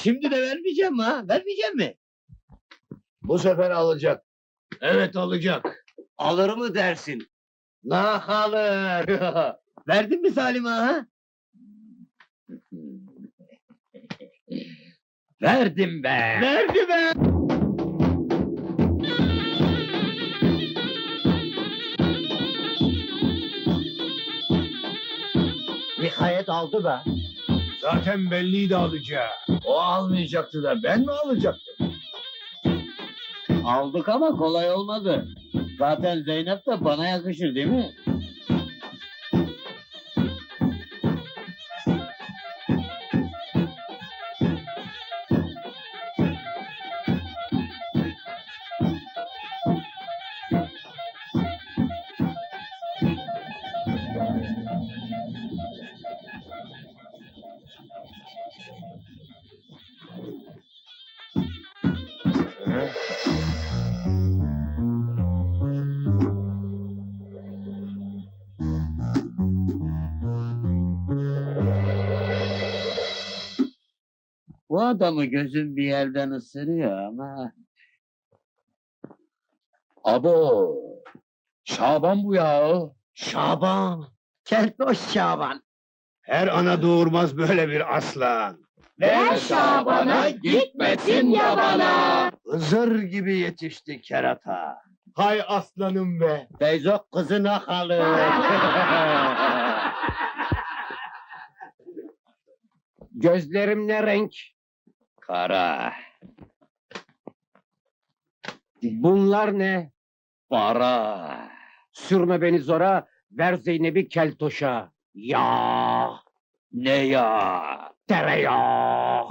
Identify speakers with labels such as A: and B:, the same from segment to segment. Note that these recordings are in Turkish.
A: Şimdi de vermeyeceğim ha. Vermeyeceğim mi?
B: Bu sefer alacak.
A: Evet alacak.
B: Alır mı dersin?
A: Nah alır. Verdin mi Salim ağa, ha?
C: Verdim be!
A: Verdi be!
B: Nihayet aldı be.
C: Zaten belliydi alacağı.
B: O almayacaktı da ben mi alacaktım?
A: Aldık ama kolay olmadı. Zaten Zeynep de bana yakışır değil mi? Bu adamı gözüm bir yerden ısırıyor ama...
C: Abo! Şaban bu ya.
A: Şaban! Keltoş Şaban!
B: Her ana doğurmaz böyle bir aslan.
C: Ver Şaban'a, gitmesin yabana.
B: Hızır gibi yetişti kerata.
C: Hay aslanım be.
A: Feyzo kızına kalır.
C: Gözlerim ne renk?
A: Kara,
C: Bunlar ne?
A: para.
C: Sürme beni zora, ver Zeynep'i keltoşa. Ya,
A: Ne ya?
C: tereyağı.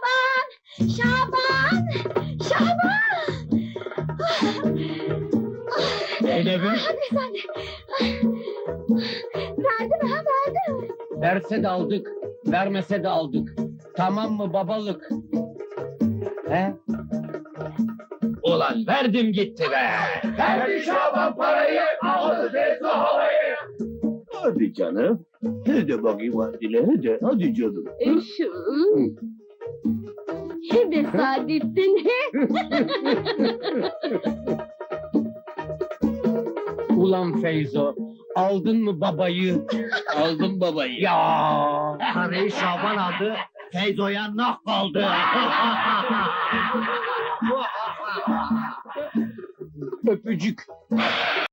D: Şaban!
A: Zeynep'im.
D: Hadi sen de. Verdi mi ha verdi mi?
C: Verse de aldık, vermese de aldık. Tamam mı babalık? He?
A: Ulan verdim gitti be!
C: Verdi Şaban parayı, aldı Feyzo havayı.
B: Hadi canım. Hadi bakayım hadi. Hadi canım.
D: Şimdi Saadettin.
C: Ulan Feyzo, aldın mı babayı?
A: Aldım babayı.
C: Ya.
A: Parayı Şaban aldı, Feyzo'ya nah kaldı.
C: Öpücük.